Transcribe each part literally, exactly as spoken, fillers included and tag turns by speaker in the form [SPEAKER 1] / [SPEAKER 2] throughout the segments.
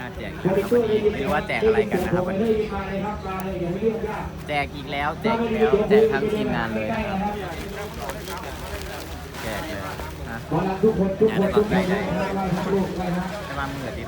[SPEAKER 1] แจกครับวันนี้ไม่รู้ว่าแจกอะไรกันนะครับวันนี้แจกอีกแล้วแจกอีกแล้วแจกทั้งทีมงานเลยนะครับแจกเลยนะอย่าได้บังไกลได้ได้มามือดิบ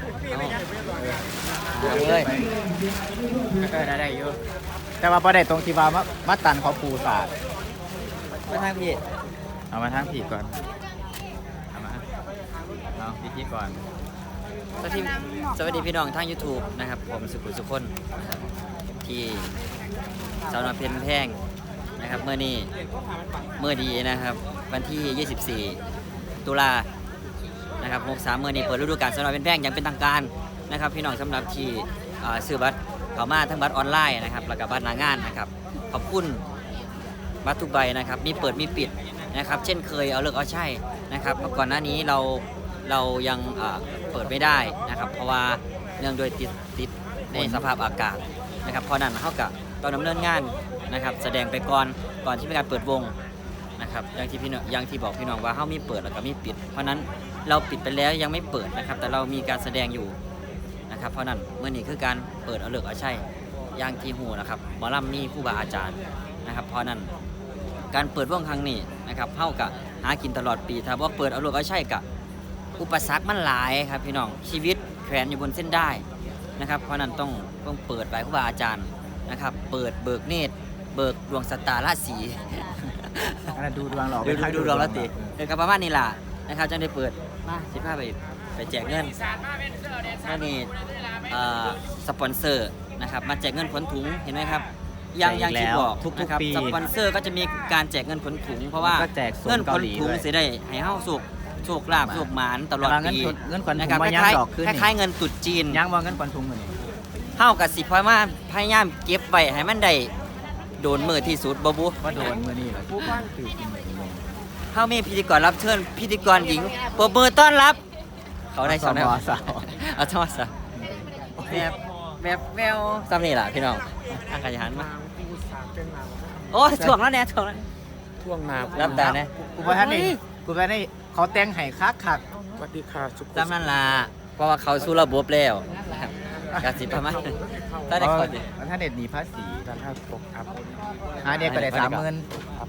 [SPEAKER 1] เอาเลยก็ได้ได้เยอะแต่ว่าพอได้ตรงที่ว่ามาตันเขาปูศาสตร์มาทางพี่เอามาทางพี่ก่อนเอามาเอาพี่พี่ก่อนสวัสดีสวัสดีพี่น้องทาง YouTube นะครับผมสุขุมสุขคนนะครับที่สาวน้อยเพชรแพงนะครับเมื่อนี้เมื่อดีนะครับวันที่ยี่สิบสี่ตุลานะครับหกสามเมื่อนี้เปิดฤดูกาลสาวน้อยเพชรแพงอย่างเป็นทางการนะครับพี่น้องสำหรับที่ซื้อบัตรเข้ามาทั้งบัตรออนไลน์นะครับแล้วก็บัตรหน้างานนะครับขอบคุณบัตรทุกใบนะครับมีเปิดมีปิดนะครับเช่นเคยเอาเลิกเอาใช่นะครับเมื่อก่อนหน้านี้เราเรายังเปิดไม่ได้นะครับเพราะว่าเนื่องโดยติดติดในสภาพอากาศนะครับเพราะนั้นเขากับต้องดำเนินงานนะครับแสดงไปก่อนก่อนที่มีการเปิดวงนะครับอย่างที่พี่น้องอย่างที่บอกพี่น้องว่าเขามีเปิดแล้วก็มีปิดเพราะนั้นเราปิดไปแล้วยังไม่เปิดนะครับแต่เรามีการแสดงอยู่นะครับเพราะนั้นเมื่อนี้คือการเปิดเอาเลิกเอาใช่อย่างที่หูนะครับหมอลำมีครูบาอาจารย์นะครับเพราะนั้นการเปิดวงครั้งนี้นะครับเท่ากับหากินตลอดปีถ้าว่าเปิดเอาเลิกเอาใช่กับอุปสรรคมันหลายครับพี่น้องชีวิตแขวนอยู่บนเส้นได้นะครับเพราะนั้นต้องต้องเปิดไปครูบาอาจารย์นะครับเปิดเบิกเนตรเบิกดวงสตาร์ราศีดูดวงหรอดูดูดวงราศีเออครับประมาณนี้ล่ะนะครับจะได้เปิดมาสิบห้าไปไปแจกเงินนั่นนี่สปอนเซอร์นะครับมาแจกเงินขนถุงเห็นไหมครับยังยังที่บอกนะครับสปอนเซอร์ก็จะมีการแจกเงินขนถุงเพราะว่าเงินขนถุงเสียได้ให้เฮาสุกโชคลาภโชคหมานตลอดปี
[SPEAKER 2] เงินขวัญถุง
[SPEAKER 1] นะครับคล้ายๆคล้ายๆเงินตุดจีน
[SPEAKER 2] ยังมองเงินขวัญถุงเหมือน
[SPEAKER 1] เท่ากับสิพอยมาพยายามเก็บไว้ให้มันได้โดนมือที่สุดบ่บุ
[SPEAKER 2] ว่าโดนมือนี่เหรอผู้ฟังตื่น
[SPEAKER 1] เท่ามีพิธีกรรับเชิญพิธีกรหญิงปรบมือต้อนรับเขาได้สอนได้สาวเอาทอดซะแบบแบบแววซ้ำนี่แหละพี่น้องอาการหันมาโอ้ถ่วงแล้วเนี่ยถ่วงแล้ว
[SPEAKER 2] ท่วงนา
[SPEAKER 1] รับตาเนี่ย
[SPEAKER 2] กูไปท่านนี่กูไปนี่เขาแต่งไห้คักคัก
[SPEAKER 3] สวัสดีค่ะสุข
[SPEAKER 1] จำนั่นล่ะเพราะว่าเขาสู้ระบบแล้วกาสิประมาณถ้าได้คนดิ
[SPEAKER 2] ถ้าเด็ดหนีภาษี
[SPEAKER 3] ท่านท่านตกครับ
[SPEAKER 2] หาเด็กก็ได้สามหมื่น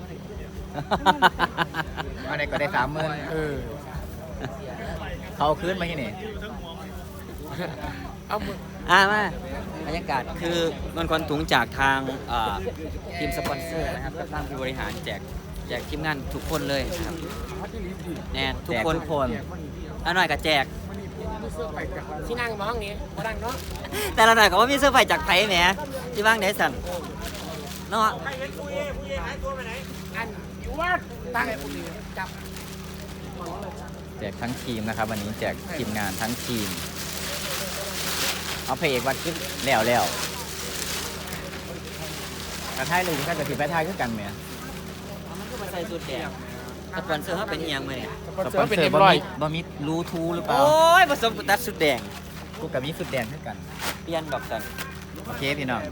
[SPEAKER 2] หาเด็กก็ได้สามหมื่น
[SPEAKER 3] เออ
[SPEAKER 2] เขาคืนมาที่นี่
[SPEAKER 3] เอามือ
[SPEAKER 1] อ่ามาบรรยากาศคือเงินขวัญถุงจากทางทีมสปอนเซอร์นะครับกับทางผู้บริหารแจกแจกทีมงานทุกคนเลยครับแน่ทุกคน
[SPEAKER 2] ทุกคน
[SPEAKER 1] อันหน่อยก็แจก
[SPEAKER 3] ที่นั่งมองนี้มาดังเนาะ
[SPEAKER 1] แต่ละหน่อยก็ว่ามีเสื้อไฟจากไผ่แหมที่ว่างไหนสั่นเนาะ
[SPEAKER 3] ตั้งจับ
[SPEAKER 2] แจกทั้งทีมนะครับวันนี้แจกทีมงานทั้งทีมเอาเพลงวัดขึ้นแล้วแล้วกระทายเลยก็จะผิดไปทายขึ้นกันไหม
[SPEAKER 1] มันก็มาใส่สูตรแดงสปอนเซอร์เขาเป็นยังไงเนี่ย
[SPEAKER 2] สปอนเซอร์บะมิบะมิรูทูหรือเปล่า
[SPEAKER 1] โอ้ยผสมตัดสุดแดง
[SPEAKER 2] กูกับมีสุดแดงขึ้นกัน
[SPEAKER 1] เปลี่ยนดอกกัน
[SPEAKER 2] โอเคพี่น้อง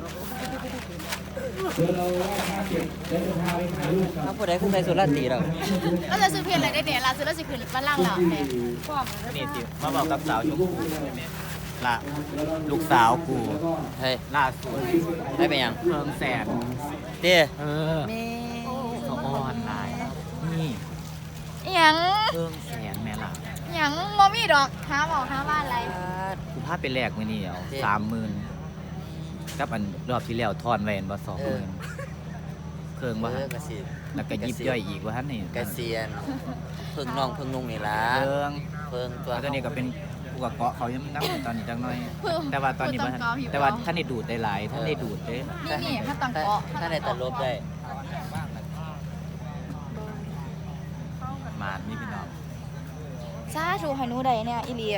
[SPEAKER 1] ถ้าผู้ใดผู้ใดสุดราตรีเรา
[SPEAKER 4] ก็จะซื้อเพลงอะไรได้เนี่ยลาซื้อแล้วจะคืนบ้านล่างเราเนี่ย
[SPEAKER 2] นี่สิมาบอกกับสาวชมพูละลูกสาวกู
[SPEAKER 1] เฮ้ย
[SPEAKER 2] ล่าสุด
[SPEAKER 1] ได้ไปยัง
[SPEAKER 2] เพิ่มแสน
[SPEAKER 1] เด้
[SPEAKER 2] เออ
[SPEAKER 1] นี่
[SPEAKER 2] สออนไลน์นี่
[SPEAKER 4] ยัง
[SPEAKER 2] เพิ่มแสนแม่ล่ะ
[SPEAKER 4] ยังมอมี่ดอกหาหมอหาบ้านอะไร
[SPEAKER 2] กูพาไปแลกมื้อนี้เอาสามหมื่นกับอันรอบที่แล้วทอนไว้อันบ่สองหมื่นเครื่องว่าแล้วก็ยิบย่อยอีกว่าท่านนี่
[SPEAKER 1] กระเซียนเพิ่งน้องเพิ่งนุ่งนี่ล่ะ
[SPEAKER 2] เครื่อง
[SPEAKER 1] เพิ่งตัว
[SPEAKER 2] ตอนนี้ก็เป็นกูกับเกาะเขายังนั่งตอนนี้จังหน่อยแต่ว่าตอนนี้ว่าแต่ว่าท่านได้ดูดได้หลายท่านได้ดูดเด้
[SPEAKER 4] นี่นี่ถ้าตังเกาะ
[SPEAKER 1] ท่านได้ตัดลบได้
[SPEAKER 2] มานี่พี่น้อง
[SPEAKER 4] ซาชูฮันูใดเนี่ยอีเลีย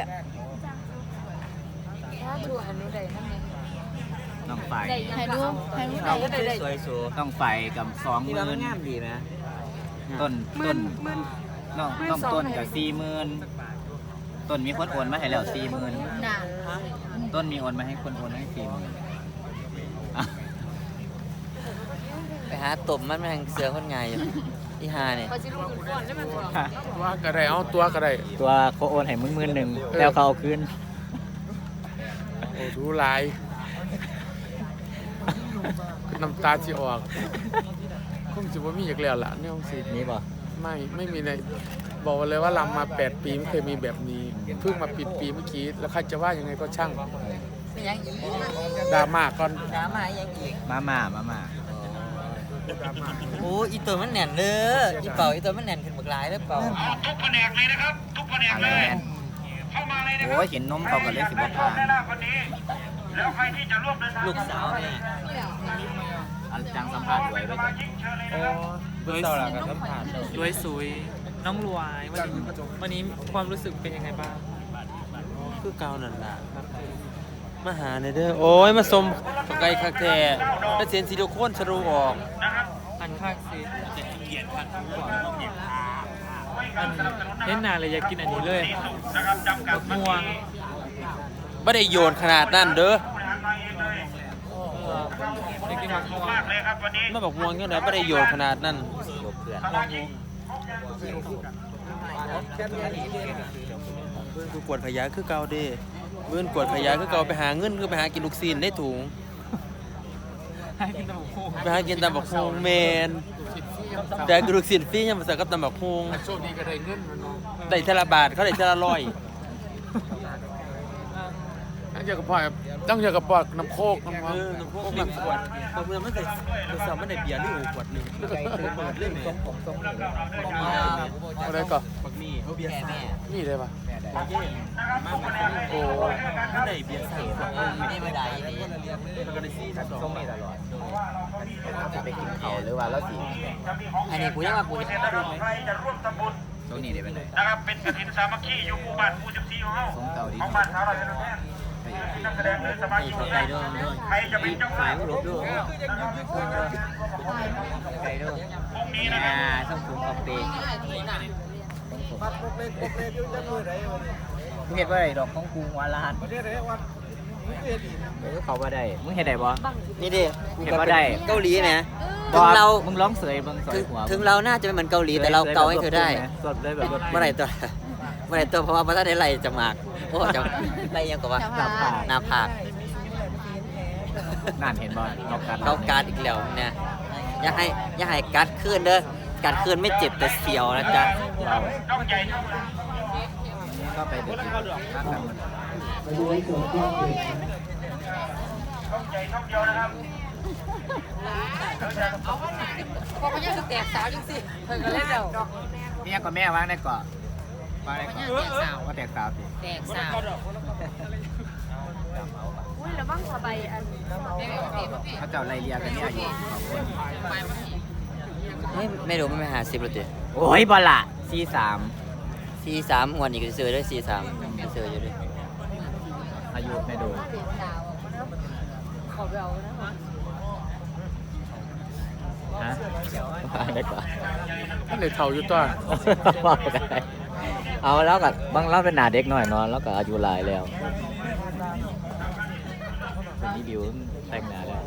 [SPEAKER 4] ซาชูฮันูใดนั่นไง
[SPEAKER 2] น้องไฟ
[SPEAKER 4] ฮันูฮันูใด
[SPEAKER 1] สวยสู
[SPEAKER 2] น้องไฟกับสองหมื่น
[SPEAKER 1] งามดีนะ
[SPEAKER 2] ต้นต้นน้องน้องต้นกับสี่หมื่นต้นมีคนโอนมาให้แล้วสี่หมื่นต้นมีโอนมาให้คนโอนให้สี่หมื่น
[SPEAKER 1] ไปหาตบมันแม่งเสือคนไงอยู่ที่ฮาเนี่ย
[SPEAKER 3] ตัวกระไรเอาตัวกระไร
[SPEAKER 2] ตัวเขาโอนให้มึงหมื่นหนึ่งแล้วเขาเอาคืน
[SPEAKER 3] โอ้ดูหลายน้ำตาสิออกคงจะว่ามีอีกแล้วล่ะเนี่ยคงสิ
[SPEAKER 1] นี่บ่
[SPEAKER 3] ไม่ไม่มีในบอกเลยว่าลำมาแปดปีไม่เคยมีแบบนี้เพิ่งมาปิดปีเมื่อกี้แล้วใครจะว่ายังไงก็ช่าง
[SPEAKER 5] ยังอีก
[SPEAKER 3] ดราม่าก่อน
[SPEAKER 5] ดราม่ายังอีก
[SPEAKER 1] มาม่ามาม่า
[SPEAKER 5] โอ้อีตัวมันแน่นเด้ออีเป่าอีตัวมันแน่นขึ้นบักหลายเด้อเป่า
[SPEAKER 6] ทุกแผนกเลยนะครับ ทุกแผนก
[SPEAKER 1] อะ
[SPEAKER 6] เล
[SPEAKER 1] ไร
[SPEAKER 6] ย
[SPEAKER 1] แม่น
[SPEAKER 6] เข้ามาเลยนะครั
[SPEAKER 1] โอ้ยเห็นนมเขาก็เลยสิบ่ผ่าน
[SPEAKER 6] ได้ละคนนี้ แล้วใครที่จะร่วมเดินทาง
[SPEAKER 5] ลูกสาวแม่
[SPEAKER 1] อันจังสัมภาษณ์ไว้ไว้ก่อน
[SPEAKER 6] เชิญเลยนะ
[SPEAKER 7] โดยโดยสุยน้องรวยวันนี้วันนี้ความรู้สึกเป็นยังไงบ้าง
[SPEAKER 8] คือเก่านั่นล่ะมาหาในเด้อโอ้ยมาสมไก่คักแท้แล้วเสียนซิลิโคนสรูออก
[SPEAKER 7] อันข้างซีอันเล่นนานเลยอยากกินอันนี้เลยบักม่วง
[SPEAKER 8] ไม่ได้โยนขนาดนั้นเด้อ
[SPEAKER 7] เอออยากกินบักม่วง
[SPEAKER 6] เลยครับวันนี้
[SPEAKER 8] มาบอกม่วงยังไงไม่ได้โยนขนาดนั้น
[SPEAKER 7] ลองดู
[SPEAKER 8] เพื่อนกูกวดขยะคือเก่าเด้เพื่อนกวดขยะคือเก่าไปหาเงินคือไปหากินลูกซีนได้ถุง
[SPEAKER 7] ให้กินแต่บักม่วง
[SPEAKER 8] ไปหากินตำบักฮงแมนแต่กินลูกซีนฟรียังมาใส่กับตำบักฮง
[SPEAKER 3] โชคดีก็ได้เงินมันเนาะ
[SPEAKER 8] ได้เทละบาทเขาได้เทละร้อย
[SPEAKER 3] ต้องเจอกับพ่อต้องเจอกับปอดน้ำโคกน้ำ
[SPEAKER 8] เอ
[SPEAKER 3] มัน
[SPEAKER 8] อน้ำพวกมันขวดบางเมื่อมันใส่กระสอบมันได้เบียร์หรืออูขวดหนึงเปิดเรื่องเนี่ย
[SPEAKER 3] อะไรก่อน
[SPEAKER 8] บักนี่เขาเบียร์สาม
[SPEAKER 3] นี่เลยปะ
[SPEAKER 8] บาเย่มากกว่านี้
[SPEAKER 3] โอ้
[SPEAKER 8] เขาได้เบียร์สามครับ
[SPEAKER 5] นี่ไม่ได้นี่
[SPEAKER 8] แล้วก็ได้ซี่สอง
[SPEAKER 1] ส่งนี่ตลอดจะไปกินเขาหรือว่าแล้วสิ
[SPEAKER 5] อันนี้กูยังว่ากูจะ
[SPEAKER 6] ใครจะร่วมทำบุญ
[SPEAKER 1] ส่งนี่ได้ไปไหน
[SPEAKER 6] นะครับเป็นกฐินสามัคคีอยู่หมู่บ้านหมู่สิบสี่ของเฮา
[SPEAKER 1] ส่งเก่าดี
[SPEAKER 6] ของบ้านสาวเราจะแท้นักแสดงหรือสมาชิกของเราใครจะเป็นเจ้าภาพ
[SPEAKER 5] ลบด้วย
[SPEAKER 1] ไก่ด้วย
[SPEAKER 6] พรุ่งนี้นะค
[SPEAKER 1] อ่า
[SPEAKER 6] รับ
[SPEAKER 1] ต้องปรุงกาแฟเห็นว่าไรดอกของกูวาลานเดี๋ยวเขาว่าได้มึงเห็นได้บ่
[SPEAKER 5] นี่ดิ
[SPEAKER 1] เห็นว่าได้
[SPEAKER 5] เกาหลีไหม
[SPEAKER 1] บ่
[SPEAKER 5] ถึงเรา
[SPEAKER 1] มึงร้องเสยมึงเส
[SPEAKER 5] ถึ
[SPEAKER 1] ย
[SPEAKER 5] ง
[SPEAKER 1] หัว
[SPEAKER 5] ถึงเราน่าจะไม่เหมือนเกาหลีแต่เราเกาให้เธอได้
[SPEAKER 1] สดเลยแบบ
[SPEAKER 5] เมื่อไหร่ตัวเมื่อไหร่ตัวเพราะว่าพระท่านได้ไล่จะมากโอ้จะไล่ยังกับว่า
[SPEAKER 4] หน้าผาก
[SPEAKER 5] หน้าผาก
[SPEAKER 1] นั่นเห็นบ่นอกการ
[SPEAKER 5] เขาการอีกแล้วเนี่ยอย่าให้อย่าให้กัดขึ้นเด้อกัดขึ้นไม่เจ็บแต่เสียวนะจ๊ะ
[SPEAKER 1] เรา
[SPEAKER 6] ต้องใหญ่เท่าไหร่
[SPEAKER 1] ก็ไปเด็ก
[SPEAKER 6] ต้องใหญ่เท่าเดียวนะครับ
[SPEAKER 4] พอเขายังแตกสาวจังสิเพิ่นก็เล่นแล้ว
[SPEAKER 1] นี่ยังกับแม่วางได้ก่อนวางได้ก่อน
[SPEAKER 4] แตกสาว
[SPEAKER 1] ว่าแตกสาวสิ
[SPEAKER 4] แตกสาวอุ้ยระวังสบายอันแม่โอเคบ่พี่
[SPEAKER 1] เขาเจ้าไล่เลียกันนี่อายุสองคน
[SPEAKER 5] ไม่ไม่รู้ไม่ไปหาสิบหรอเจ๊
[SPEAKER 1] โอ้ยบอลละซีสาม
[SPEAKER 5] ซีสามวันนี้ก็ซื้อด้วยซีสามซื้ออยู่ด้วย
[SPEAKER 1] อายุไม่ดู
[SPEAKER 4] ขอเบานะ
[SPEAKER 1] ฮะวางได้ก่อน
[SPEAKER 3] ท่านเลยเท่าอยู่ตัว
[SPEAKER 1] วางได้เอาแล้วกับบางเราเป็นหนาเด็กหน่อยเนาะแล้วก็อายุหลายแล้วคนนี้บิวแต่งหนาแล้ว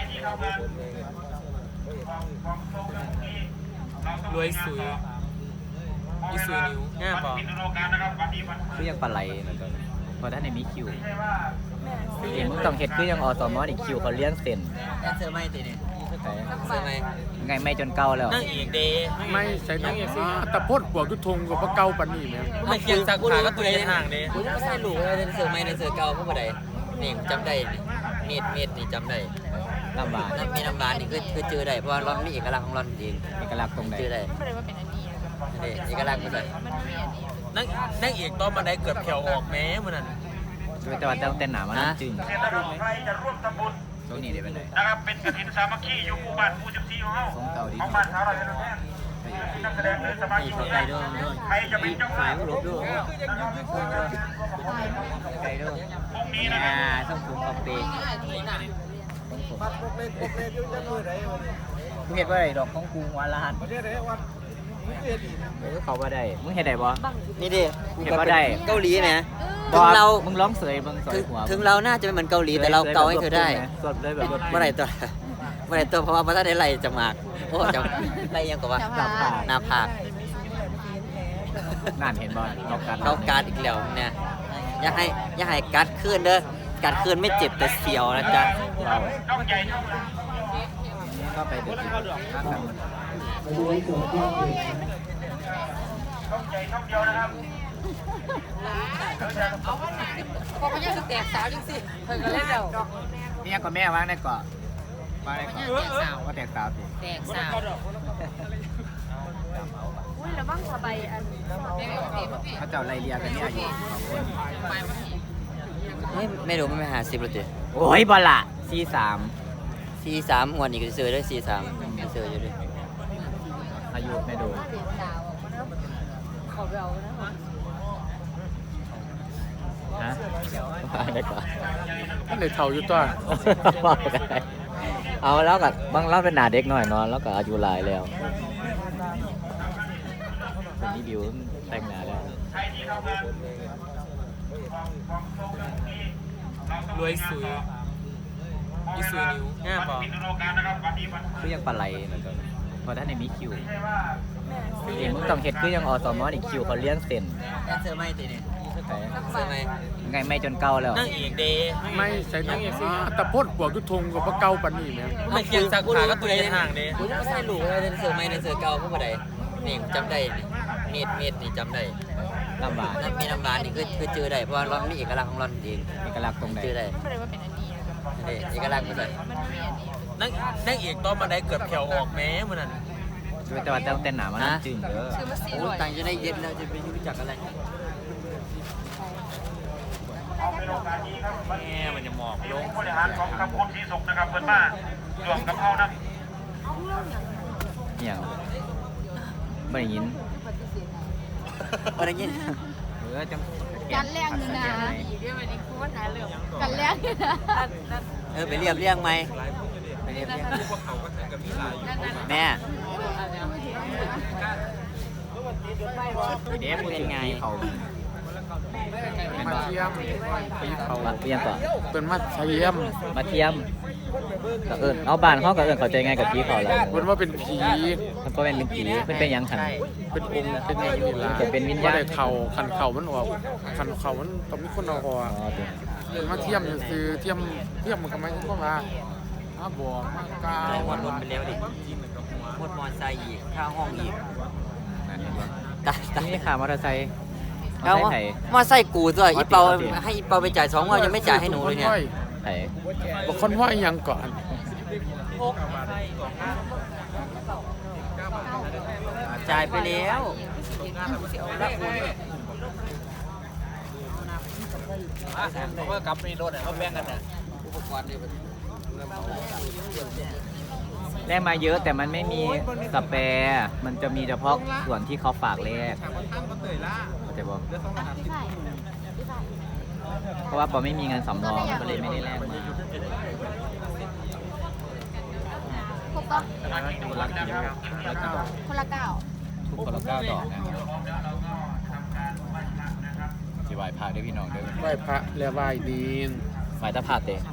[SPEAKER 7] รวยสุยอีสุยนิ้วง่ายบอก
[SPEAKER 1] คือยังปลาไหลนะตอนนี้เพราะท่านในมีคิวเห็นมึงต้องเห็ดคือยังอสมอนี่คิวเขาเลี้ยงเส้น
[SPEAKER 5] แอนเซอร์ไม่ตีนี่
[SPEAKER 1] ไป
[SPEAKER 5] เซอร์ไม่
[SPEAKER 1] ไงไม่จนเก่าแล้ว
[SPEAKER 8] นั่งอีกเด้
[SPEAKER 3] ไม่ใส่น้ำตะพดปวกทุทงกับพระเก่าปันนี่เนี่ย
[SPEAKER 8] ไม่เคียงสักขาก็ตัวในห่างเด้
[SPEAKER 5] กูยังไม่ใช่หลูเลยแอนเซอร์ไม่แอนเซอร์เก่าพวกบ่ได้นี่จำได้นี่เม็ดเม็ดนี่จำได้
[SPEAKER 1] ลำบาก
[SPEAKER 5] น้ำมีน้ำบานนี่คือคือเจอได้เพราะว่าร้อนมีเอกลักษณ์ของร้อนเอง
[SPEAKER 1] เอกลักษณ์ตรงไหน
[SPEAKER 5] เจอได้
[SPEAKER 4] ไม่ได้ว่าเป็นอันนี้
[SPEAKER 5] นี่เอกลักษณ์มันเลย
[SPEAKER 4] มันไม่อันนี้
[SPEAKER 8] นั่งนั่งอีกตอนบันไดเกือบแขวออกแม้มันนั่น
[SPEAKER 1] ด้วยแต่ว่าต้องเต้นหนามานั่งจึง
[SPEAKER 6] เสร็จแล้วใครจะร่วมทำบุญ
[SPEAKER 1] ช่วงนี้ได้ไปไหน
[SPEAKER 6] นะครับเป็นกฐินสามัคคีอยู่หมู่บ้านหมู่สิบสี่ของเฮา
[SPEAKER 1] ส่งเก่าดี
[SPEAKER 6] ของบ้านสาวเราจะแท้นักแสดงหรือสมาชิกของเราใครจะเป็นเจ้าภาพ
[SPEAKER 5] ลบด้วย
[SPEAKER 1] ไก่ด้วย
[SPEAKER 6] พรุ่งนี้นะค
[SPEAKER 1] อ่า
[SPEAKER 6] รับ
[SPEAKER 1] ต้องปรุงกาแฟมึงเห็นว่าไรดอกของกูวาลานเออเขาว่าได้มึงเห็นได้บ่
[SPEAKER 5] นี่ดิ
[SPEAKER 1] เห็นว่าได้
[SPEAKER 5] เกาหลีไหม
[SPEAKER 1] บ่
[SPEAKER 5] ถึงเรา
[SPEAKER 1] มึงร้องเสยมึงเส
[SPEAKER 5] ถึ
[SPEAKER 1] ย
[SPEAKER 5] ง
[SPEAKER 1] หัว
[SPEAKER 5] ถึงเราน่าจะไม่เหมือนเกาหลีแต่เราเกาให้เธอได้
[SPEAKER 1] สดเลยแบบรถ
[SPEAKER 5] เมื่อไหร่ตัวเมื่อไหร่ตัวเพราะว่าพระท่านได้ไล่จะมากโอ้จะไล่ยังกับว่า
[SPEAKER 4] หน้าผาก
[SPEAKER 5] หน้าผาก
[SPEAKER 1] นั่นเห็นบ่นอกการ
[SPEAKER 5] เขาการอีกแล้วเนี่ยอย่าให้อย่าให้กัดขึ้นเด้อกัดคืนไม่เจ็บแต่เสียวนะจ๊ะ
[SPEAKER 1] เรา
[SPEAKER 6] ช่องใหญ่ช่อง
[SPEAKER 1] นี่ก็ไปเด็กๆนะครับ
[SPEAKER 6] ช่องใหญ่ช่องเดียวนะครับ
[SPEAKER 4] พอเขายังแตกสาวจริงสิเพิ่นก็เล่นแล้ว
[SPEAKER 1] นี่ยังกับแม่วางได้ก่อนวางได้ก่อนก็แตกสาวสิ
[SPEAKER 4] แตกสาวอุ้ยแล้วบ้างสบายอัน
[SPEAKER 1] เขาเจ้าไรเรียกันเนี่ยอยู่สองคน
[SPEAKER 5] ไม่ไม่รู้ไม่ไปหาสิบหรอจ๊ะ
[SPEAKER 1] โอ้ยบอลละซีสาม
[SPEAKER 5] สี่สามวันนี้ก็ซื้อได้สี่สามซื้ออยู่ด้วย
[SPEAKER 1] อายุไม่ดู
[SPEAKER 4] เด็กสาวเขาเรานะ
[SPEAKER 1] ฮะวางได้ก่อน
[SPEAKER 3] มันเลยเท่าอยู่ตัว
[SPEAKER 1] เอาแล้วกับบางเราเป็นหนาเด็กหน่อยเนาะแล้วก็อายุหลายแล้วเป็นนี่บิวแต่งหนาแล้ว
[SPEAKER 7] รวยสุยยี่สุยนิ้วง่ายป่ะ
[SPEAKER 1] คือยังปลาไหลแล้วก็พอท่านในมีคิวเอ็มมึงต้องเฮ็ดคือยังอสมอนี่คิวเขาเลี้ยงเส้น
[SPEAKER 5] แอนเซอร์ไม่ตีเนี่ยเซอร์ไม่
[SPEAKER 1] ไงไม่จนเก่าแล้ว
[SPEAKER 8] นั่งเอกเดย์
[SPEAKER 3] ไม่ใส่น้ำอ่าแต่พ่นปวกทุกทงกับพระเก่าปันนี่แม่
[SPEAKER 8] ไม่เคียงสักขาก็ตัวเองห่างเดย์
[SPEAKER 5] กูยังไม่ใช่ลูกเลยเซอร์ไม่ในเซอร์เก่าพวกบ่ได้นี่จำได้นี่เม็ดเม็ดนี่จำได้
[SPEAKER 1] ลำบาก
[SPEAKER 5] น้ำมีน้ำร้านนี่คือคือเจอได้เพราะว่าเรามีเอกลักษณ์ของเราเอง
[SPEAKER 1] เอกลักษณ์ตรงไหน
[SPEAKER 5] เจอได้
[SPEAKER 4] ไม่ได้ว่าเป็นอันนี้
[SPEAKER 5] นี่เอกลักษณ์มันเลย
[SPEAKER 4] มันไม่มีอันนี้
[SPEAKER 8] นั่งนั่งเอกตอนมาได้เกือบแถวออกแม้มันนั่น
[SPEAKER 1] แต่ว่าแต่เต้นหนามันจึงเด้อ
[SPEAKER 4] ซื้อมาสี่
[SPEAKER 5] โอ้
[SPEAKER 4] ร้อย
[SPEAKER 5] ตังค์จะได้เย็นแล้วจะไปรู้จักอะไร
[SPEAKER 8] แม่มันจะหมอกลง
[SPEAKER 6] บริหารของคำคนสีสุกนะครับเพิ่นมาหลวงกับเขานะ
[SPEAKER 1] อย่างไม่ได้ยิน
[SPEAKER 5] อะไรเงี้ย
[SPEAKER 1] เออจัง
[SPEAKER 4] กันแรงอยู่นะเดี๋ยววันนี้คุณว่าหาเรื่องกันแรงอยู่นะ
[SPEAKER 5] เออไปเรียบเรียงไหม
[SPEAKER 1] ไปเรียบเรียง
[SPEAKER 5] แม่
[SPEAKER 1] เด็กพูดถึงที่เขาเป็น
[SPEAKER 3] มา
[SPEAKER 1] ว่า
[SPEAKER 3] เทียมไปเขา
[SPEAKER 1] มาเรียงก่อน
[SPEAKER 3] เป็นมาเทียม
[SPEAKER 1] มาเทียมก็เอิญเอาบ้านเขาก็เอิญเข้าใจไงกับพี่เขาแล้ว
[SPEAKER 3] เป็นว่าเป็นผี
[SPEAKER 1] มันก็เป็นเป็นผีเพิ่นเป็นหยังขัน
[SPEAKER 3] เป็นองค์เป็นอย่างนี้ล่ะ
[SPEAKER 1] จะเป็นวิญญาณ
[SPEAKER 3] บ่ได้เข่าคันเข่ามันออกคันเข่ามันต้องมีคนเอาออก
[SPEAKER 1] อ๋อตัว
[SPEAKER 3] เป็นมาเทียมซื้อเทียมเทียมมันก็ไม่ใช่ก็มาอ้าบวกมากา
[SPEAKER 5] อะไรวันรวมไปแล้วดิหมดมอไซค์อีกค่าห้องอีกตายตาย
[SPEAKER 1] นี่ค่ะมอเตอร์ไซค์มอเตอ
[SPEAKER 5] เอา
[SPEAKER 1] ร์ไซ
[SPEAKER 5] วะ
[SPEAKER 1] ค์ไถ
[SPEAKER 5] มอไซค์กูด้วยอีเปาให้อีเปาไปจ่ายสองวันยังไม่จ่ายให้หนูเลยเนี่ย
[SPEAKER 1] ไถ
[SPEAKER 3] บอกคนว่าอีหยังก่อน
[SPEAKER 5] จ่ายไปแล้ว
[SPEAKER 8] เขาก็กลับมีรถเขาแบ่งกันน่ะ
[SPEAKER 1] แลกมาเยอะแต่มันไม่มีสเปร์มันจะมีเฉพาะส่วนที่เขาฝากแลกเข้าใจบ่เพราะว่าปอไม่มีเงินสำรองก็เลยไม่ได้แลกมา
[SPEAKER 4] ครบปะ
[SPEAKER 1] คนละกี่ดอกคนละกี่ดอก
[SPEAKER 4] คนละเก้า
[SPEAKER 1] ทุกคนละเก้าดอกนะสิไหวพาด้วยพี่น้องด้วย
[SPEAKER 3] ไหว้พระและไหว้ดีน
[SPEAKER 1] ไหวตะพาเตะ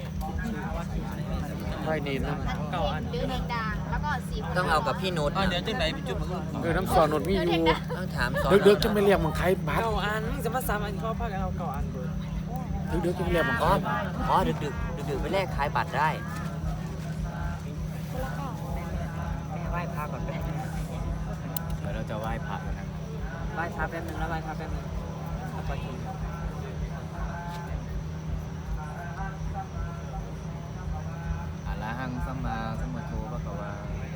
[SPEAKER 3] ไหว้ดีนนะ
[SPEAKER 4] ดื้อแดงดังแล้วก็สี
[SPEAKER 5] ต้องเอากับพี่นุช
[SPEAKER 8] อ๋อเดี๋ยวจังไหนจุดมัน
[SPEAKER 3] เออน้ำสอนนดมีอยู่
[SPEAKER 5] ต้องถามสอน
[SPEAKER 3] เด็กๆจะไม่เรียกมังไทยบัตร
[SPEAKER 7] เก่าอันจะมาซ้ำอันเขาพากันเอาเก่าอันเลย
[SPEAKER 3] เด็กๆจะไม่เรียกมังไท
[SPEAKER 5] อ๋อย อ๋อดึกดึกดึกดึกๆไปแลกขายบัตรได้
[SPEAKER 1] ไหว้พระก่อนไหมเดี๋ยวเราจะไหว้พระกันนะ
[SPEAKER 5] ไหว้พระแป๊บนึงแล้วไหว้พระแป๊บนึง
[SPEAKER 1] อะระหังสัมมาสัมพุทโธพระกวา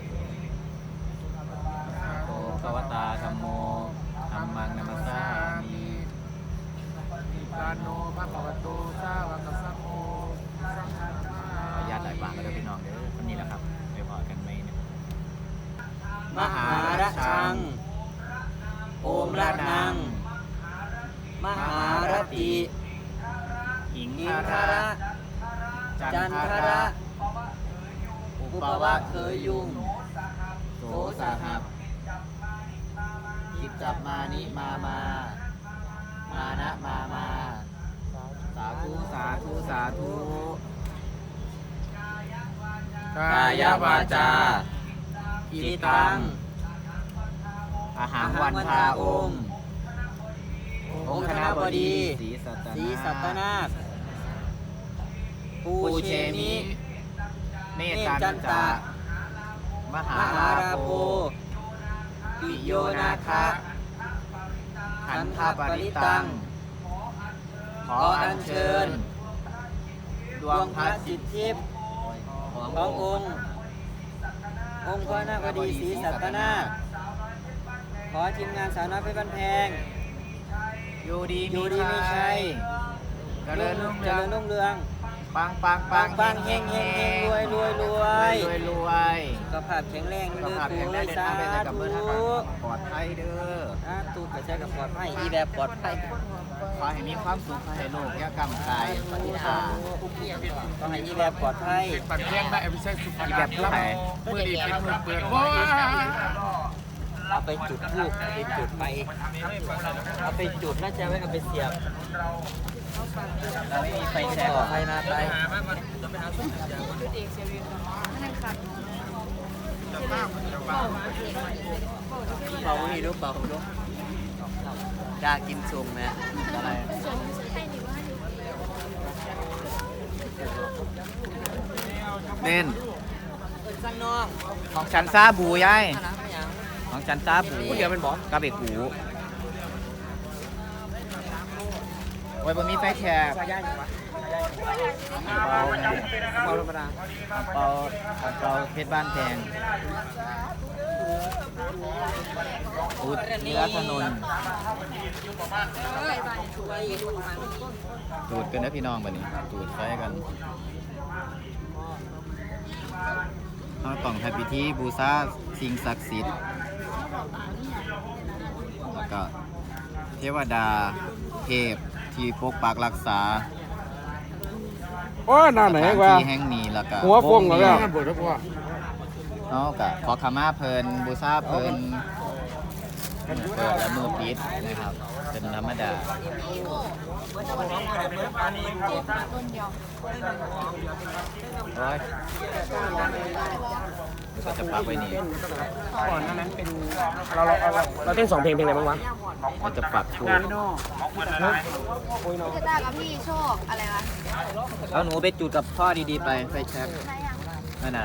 [SPEAKER 1] โอภควตาธัมโมธัมมังนัมสสามิ
[SPEAKER 3] กาโนพระปวัตโตสาวกสัพโม
[SPEAKER 1] ขออนุญาตหลายบางก็ได้พี่น้องเด้อคนนี้แหละครับไปพอกันไหมเนี่ย
[SPEAKER 5] มหาระชัง โอมระนัง มหารติ
[SPEAKER 1] หิง
[SPEAKER 5] อิน
[SPEAKER 1] คา
[SPEAKER 5] ท
[SPEAKER 1] ระ
[SPEAKER 5] ระ จันทระ อุปวะเคยยุง
[SPEAKER 1] โสสหับกิจจับมานิมามา มานะมามา สาธุสาธุสาธุ
[SPEAKER 3] กาย
[SPEAKER 5] วาจา
[SPEAKER 1] อิ
[SPEAKER 5] อิ
[SPEAKER 1] ตั
[SPEAKER 5] ตั
[SPEAKER 1] ง
[SPEAKER 5] ง
[SPEAKER 1] อาหารวันทาองค์ องค์คณบดีศรีสัต
[SPEAKER 5] สีสัต
[SPEAKER 1] นา
[SPEAKER 5] นาค
[SPEAKER 1] พ
[SPEAKER 5] ปูเชมิ
[SPEAKER 1] เนตันจา มหาม
[SPEAKER 5] หา
[SPEAKER 1] รา
[SPEAKER 5] รา
[SPEAKER 1] โภ
[SPEAKER 5] โภ
[SPEAKER 1] ปิโยนาคะขันธปริตัง ขออัญเชิญ ด
[SPEAKER 5] ด
[SPEAKER 1] ว
[SPEAKER 5] ว
[SPEAKER 1] ง
[SPEAKER 5] ง
[SPEAKER 1] พ
[SPEAKER 5] พ
[SPEAKER 1] ระ
[SPEAKER 5] ระ
[SPEAKER 1] จิ
[SPEAKER 5] จิ
[SPEAKER 1] ต
[SPEAKER 5] ตทิพย์ขององค์ องค์พระนาคบดีศรีสัตนาคขอทีมงานสาวน้อยเพชรบ้านแพง
[SPEAKER 1] อยู่ดี
[SPEAKER 5] อยู่ดีมีชัย
[SPEAKER 1] เจริญรุ่ง
[SPEAKER 5] เจ
[SPEAKER 1] เรือง
[SPEAKER 5] ริญรุ่งเรือง
[SPEAKER 1] ปังปัง
[SPEAKER 5] ปังปังเฮงเฮงเฮงรวยรวยรวย
[SPEAKER 1] รวยรวย
[SPEAKER 5] สุขภาพแข็งแรง
[SPEAKER 1] สุข
[SPEAKER 5] เด้อ
[SPEAKER 1] ภาพ
[SPEAKER 5] ปู
[SPEAKER 1] แข็งแร
[SPEAKER 5] เอ้
[SPEAKER 1] ง
[SPEAKER 5] ย
[SPEAKER 1] เดิน
[SPEAKER 5] สา
[SPEAKER 1] ทางไปไหนกับ
[SPEAKER 5] ธุ
[SPEAKER 1] เมื่อทางปลอดภัยเด้อ
[SPEAKER 5] สาธุไปใช้กับปลอดภัยอีแบบปลอดภัย
[SPEAKER 1] ขอให้มีความสุขขอให้โลกยากรรมกายปฏิภาณ
[SPEAKER 5] ต้องให้อีแบบปลอดภัย
[SPEAKER 3] ปันแพงได้อภิเษกสุภา
[SPEAKER 1] อีแบบผู้ใด
[SPEAKER 3] มือดีเป็นมือเปิดว้า
[SPEAKER 5] เอาไปจุดทูบเอาไปจุดไปเอาไปจุดน่าจะไว้เอาไปเสียบ
[SPEAKER 1] เราไม่มีไฟแช
[SPEAKER 5] แช่
[SPEAKER 1] ก
[SPEAKER 5] ปลอดภัยนะไป เป่านี่ดูเป่าดูอยากกินสุ่มนะ
[SPEAKER 1] อะไรเล่น
[SPEAKER 5] ข้างนอก
[SPEAKER 1] ของฉันซาบูยาย
[SPEAKER 5] อะไรไม่ยัง
[SPEAKER 1] ของฉันซาบู
[SPEAKER 3] ผู้เดียวเป็นบอส
[SPEAKER 1] กับเอกหูโอ้ยบนมีไฟแชก
[SPEAKER 5] ชายาอยู่วะ
[SPEAKER 1] เปา
[SPEAKER 5] เป่าธรรมดา
[SPEAKER 1] เปาเปาเพชรบ้านแพงอุดเนื้อถนนจูดกันนะพี่น้องบัดนี้จูดไฟกันเราต้องทำพิธีบูชาสิ่งศักดิ์สิทธิ์แล้วก็เทวดาเทพที่ปกปักรักษา
[SPEAKER 3] โอ้ยหน้าไหน
[SPEAKER 1] สถาน
[SPEAKER 3] วะ
[SPEAKER 1] ที่แห่งนี้แล้วก็
[SPEAKER 3] หัวฟงเหรอ
[SPEAKER 1] นี้
[SPEAKER 3] เนี่ยบวชแล้วพ่อ
[SPEAKER 1] เนาะก็ขอขมาเพลินบูชาเพลินเปิดและมือปิดนะครับ เป็นธรรมดาโอ้ยมันก็จะปักไว้นี่
[SPEAKER 3] ก่อนหน้านั้นเป็นเราเราเราเราเต้นสองเพลงเพลงอะไรบ้างวะ
[SPEAKER 1] มันจะปักถูก
[SPEAKER 4] พี่ตากับพี่โชคอะไรวะ
[SPEAKER 1] เอาหนูไปจุดกับพ่อดีๆไปไฟแช็กนั่นน่ะ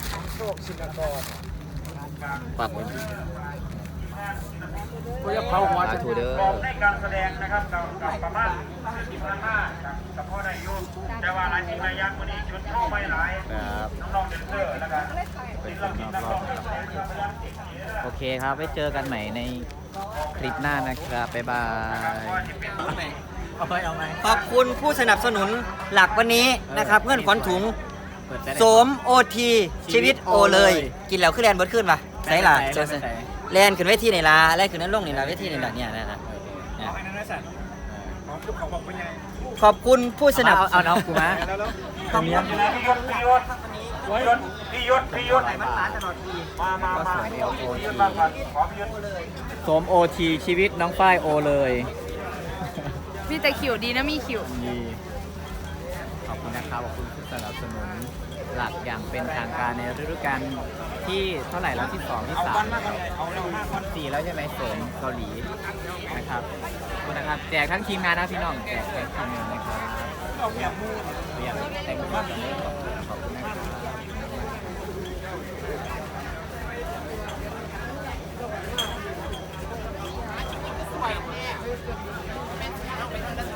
[SPEAKER 1] ปักไว้นี่
[SPEAKER 3] กูจะเผาหัว
[SPEAKER 1] สา
[SPEAKER 3] จะ
[SPEAKER 1] ธุเด้อ
[SPEAKER 6] ในการแสดงนะครับกับกับประมาณสิบพันห้ากับพ่อได้อยู่แต่ว่าหลายสิ่งหลายอย่างวันนี้ชุดเข้าไม่หลาย
[SPEAKER 1] ครับ
[SPEAKER 6] น้องๆเดนเซอร์แล้วก็
[SPEAKER 1] ไป
[SPEAKER 6] ศิล
[SPEAKER 1] เจอ
[SPEAKER 6] ปิน
[SPEAKER 1] น
[SPEAKER 6] นั
[SPEAKER 1] อก
[SPEAKER 6] ก
[SPEAKER 1] ร
[SPEAKER 6] ร้
[SPEAKER 1] อ
[SPEAKER 6] อบ งนักแสดงนะครับพยายามเก่งอย่างนี้นะ
[SPEAKER 1] โอเคครับไว้เจอกันใหม่ในคลิปหน้านะครับ บ๊ายบาย เอาไปเอาไหม
[SPEAKER 5] ขอบคุณผู้สนับสนุนหลักวันนี้นะครับ เงื่อนขวัญถุงโสมโอทีชีวิตโอเลย กินแล้วขึ้นแลนเบิร์ดขึ้นปะใส่ล่ะเจอสิแลนขึ้นเวทีในลาแลนขึ้นนั่นลงในลาเวทีในลาเนี่ยนะฮะเนี่ยขอบคุณผู้สนับ
[SPEAKER 1] เอาเอาน้องกูมา
[SPEAKER 5] ขอบคุณ
[SPEAKER 6] พี่ยศพี่ยศพี่ยศพี่ยศพี่ยศมามามาพี่ยศมาก่อนขอพี่ยศเลย
[SPEAKER 1] โสมโอทีชีวิตน้องฝ้ายโอเลย
[SPEAKER 4] มีแต่ขิวดีนะมีขิว
[SPEAKER 1] ดีขอบคุณนะครับขอบคุณผู้สนับสนุนหลักอย่างเป็นทางการในฤดูกาลที่เท่าไหร่แล้วที่สองที่สามสี่แล้วใช่ไหมโสมเกาหลีนะครับขอบคุณนะครับแจกทั้งทีมงานนะพี่น้องแจกทั้งทีมงานนะครับเรียบเรียบแต่งตัวกันเลยขอบคุณนะครับ